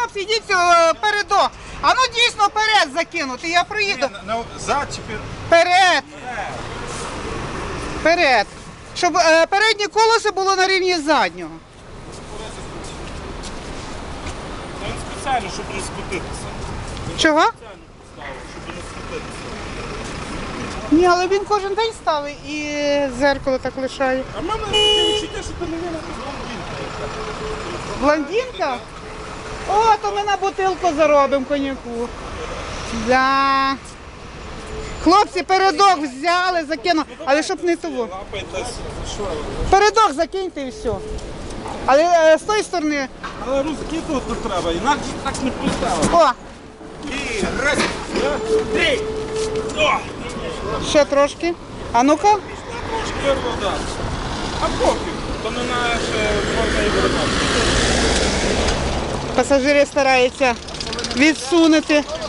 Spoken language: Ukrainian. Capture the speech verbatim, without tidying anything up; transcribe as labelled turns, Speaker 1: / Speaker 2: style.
Speaker 1: хлопці, йдіть е, передок. А ну дійсно вперед закинути, я проїду.
Speaker 2: Ні, на, на, зад чи пер...
Speaker 1: Вперед. Вперед. Щоб е, переднє колесо було на рівні заднього.
Speaker 2: Та він спеціально, щоб не скотитися.
Speaker 1: Чого?
Speaker 2: Спеціально поставив, щоб не скотитися.
Speaker 1: Ні, але він кожен день ставить і зеркало так лишає.
Speaker 2: А в мене таке відчуття, що ти не винна з
Speaker 1: Блондинка? О, то ми на бутилку заробимо коньяку. Да. Хлопці, передок взяли, закинули, але щоб не того.
Speaker 2: Лапайтесь, що?
Speaker 1: Передок закиньте і все. Але е, з тої сторони.
Speaker 2: Але розкидувати треба, інакше так не поставив.
Speaker 1: О,
Speaker 2: І раз, два, три. О!
Speaker 1: ще трошки. А ну-ка.
Speaker 2: Трошки вода. А поки, то не наше можна і вернути.
Speaker 1: Пасажири стараються відсунути